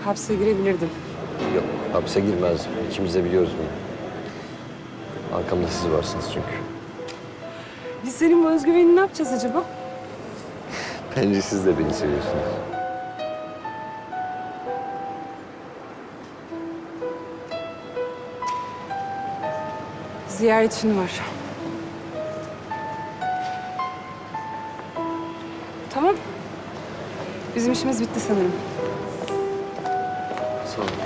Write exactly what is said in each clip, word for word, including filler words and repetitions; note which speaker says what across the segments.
Speaker 1: hapse girebilirdim.
Speaker 2: Yok, hapse girmez. İkimiz de biliyoruz bunu. Arkamda siz varsınız çünkü.
Speaker 1: Biz senin bu özgüvenini ne yapacağız acaba?
Speaker 2: Bence siz de beni seviyorsunuz.
Speaker 1: Ziyaretçin var. Tamam. Bizim işimiz bitti sanırım.
Speaker 2: Sağ olun.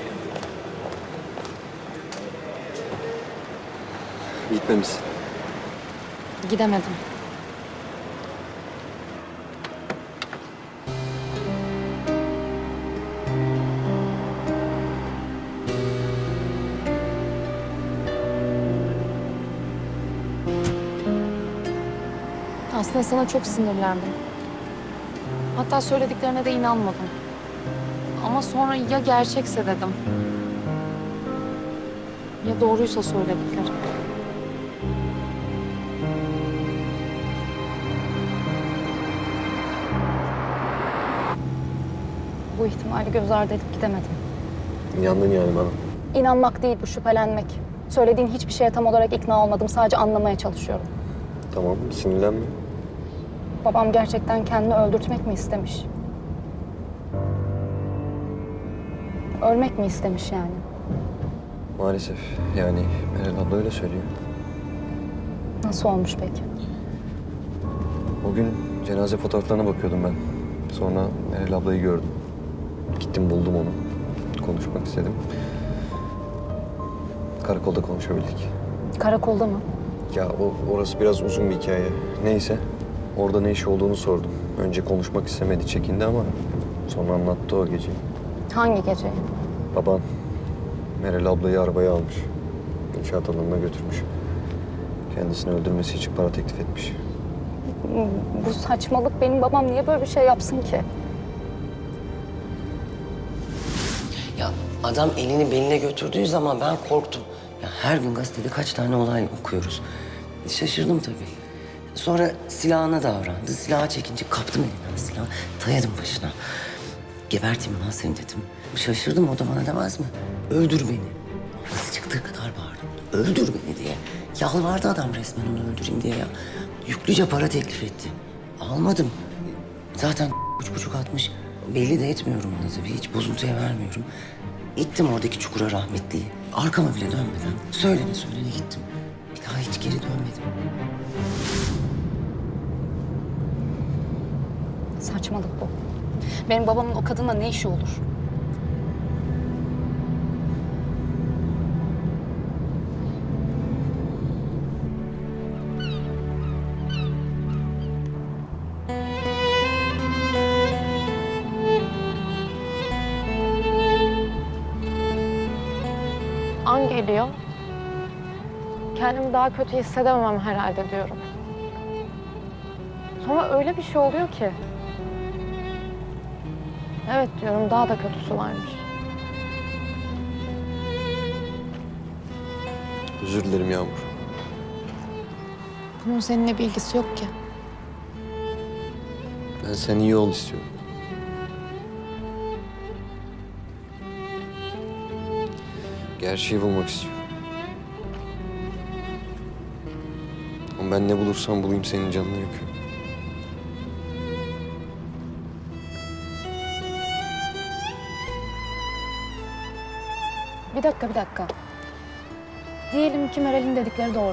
Speaker 2: Gitmemişsin.
Speaker 3: Gidemedim. Aslında sana çok sinirlendim. Hatta söylediklerine de inanmadım. Ama sonra ya gerçekse dedim. Ya doğruysa söyledikleri. Bu ihtimali göz ardı edip gidemedim.
Speaker 2: İnandın yani bana.
Speaker 3: İnanmak değil bu, şüphelenmek. Söylediğin hiçbir şeye tam olarak ikna olmadım. Sadece anlamaya çalışıyorum.
Speaker 2: Tamam, sinirlenme.
Speaker 3: Babam gerçekten kendini öldürtmek mi istemiş? Ölmek mi istemiş yani?
Speaker 2: Maalesef. Yani Meral abla öyle söylüyor.
Speaker 3: Nasıl olmuş peki?
Speaker 2: O gün cenaze fotoğraflarına bakıyordum ben. Sonra Meral ablayı gördüm. Gittim buldum onu. Konuşmak istedim. Karakolda konuşabildik.
Speaker 3: Karakolda mı?
Speaker 2: Ya o, orası biraz uzun bir hikaye. Neyse. Orada ne iş olduğunu sordum. Önce konuşmak istemedi, çekindi ama sonra anlattı o geceyi.
Speaker 3: Hangi gece?
Speaker 2: Baban Meral ablayı arabaya almış. İnşaat alanına götürmüş. Kendisini öldürmesi için para teklif etmiş.
Speaker 3: Bu saçmalık. Benim babam niye böyle bir şey yapsın ki?
Speaker 4: Ya adam elini beline götürdüğü zaman ben korktum. Ya her gün gazetede kaç tane olay okuyoruz. Şaşırdım tabii. Sonra silahına davrandı. Silahı çekince kaptım elinden silahı. Dayadım başına. Geberteyim lan seni dedim. Şaşırdım, o da bana demez mi? Öldür beni. Nasıl çıktığı kadar bağırdım. Öldür beni diye. Yalvardı adam resmen onu öldüreyim diye ya. Yüklüce para teklif etti. Almadım. Zaten üç buçuk atmış. Belli de etmiyorum ona tabii. Hiç bozuntuya vermiyorum. İttim oradaki çukura rahmetliyi. Arkama bile dönmeden söylene söylene gittim. Bir daha hiç geri dönmedim.
Speaker 3: Saçmalık bu. Benim babamın o kadınla ne işi olur? An geliyor. Kendimi daha kötü hissedemem herhalde diyorum. Sonra öyle bir şey oluyor ki. Evet diyorum, daha da kötüsü varmış.
Speaker 2: Özür dilerim Yağmur.
Speaker 3: Bunun seninle bir ilgisi yok ki.
Speaker 2: Ben sen iyi ol istiyorum. Gerçeği bulmak istiyorum. Ama ben ne bulursam bulayım senin canını yakıyorum.
Speaker 3: Bir dakika, bir dakika. Diyelim ki Meral'in dedikleri doğru.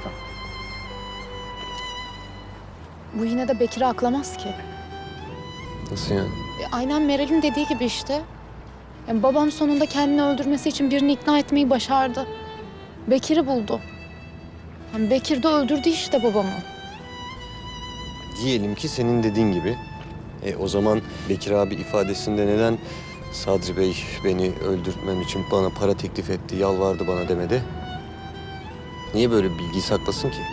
Speaker 3: Bu yine de Bekir'i aklamaz ki.
Speaker 2: Nasıl yani?
Speaker 3: E, aynen Meral'in dediği gibi işte. Yani babam sonunda kendini öldürmesi için birini ikna etmeyi başardı. Bekir'i buldu. Yani Bekir de öldürdü işte babamı.
Speaker 2: Diyelim ki senin dediğin gibi. E, o zaman Bekir abi ifadesinde neden Sadri Bey beni öldürtmem için bana para teklif etti, yalvardı bana demedi? Niye böyle bir bilgiyi saklasın ki?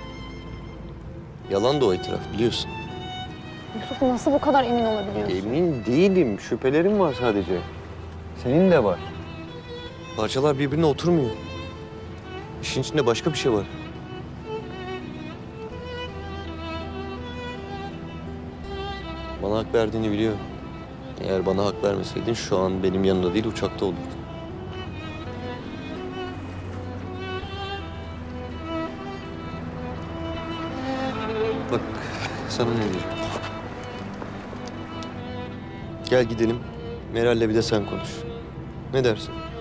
Speaker 2: Yalan da o itiraf biliyorsun.
Speaker 3: Yusuf, nasıl bu kadar emin olabiliyorsun?
Speaker 2: Emin değilim. Şüphelerim var sadece. Senin de var. Parçalar birbirine oturmuyor. İşin içinde başka bir şey var. Bana hak verdiğini biliyorum. Eğer bana hak vermeseydin şu an benim yanımda değil uçakta olurdun. Bak sana ne diyeceğim. Gel gidelim. Meral'le bir de sen konuş. Ne dersin?